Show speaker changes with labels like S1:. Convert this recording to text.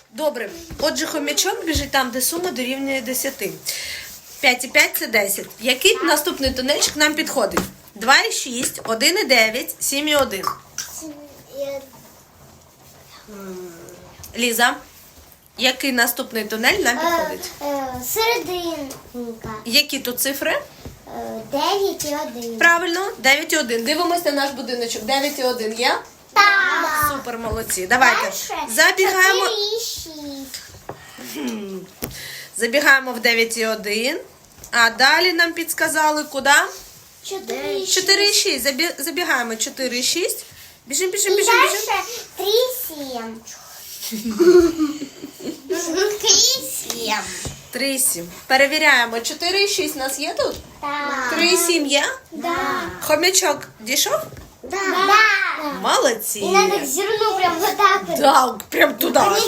S1: Добре. Отже, хомячок біжить там, де сума дорівнює 10. 5,5 – це 10. Який наступний тунельчик нам підходить? 2,6, 1,9, 7,1. Ліза, який наступний тунель нам підходить?
S2: Серединка.
S1: Які тут цифри?
S2: 9 і 1.
S1: Правильно, 9,1. Дивимося на наш будиночок. 9,1 є?
S2: Так.
S1: Супер, молодці. Давайте забігаємо.
S2: 4 і 6.
S1: Забігаємо в 9,1. А далі нам підсказали куди?
S2: 4 і 6.
S1: 4,6. Забігаємо 4,6. Біжим, біжим,
S2: І
S1: біжим,
S2: далі
S1: біжим.
S2: 3 і 7.
S1: 3,7. Перевіряємо. 4,6 у нас є тут?
S2: Так.
S1: 3,7 є?
S2: Да.
S1: Хомячок дійшов?
S2: Да.
S1: Молодці.
S2: І надо зерно прям вот так.
S1: Так, прям туди.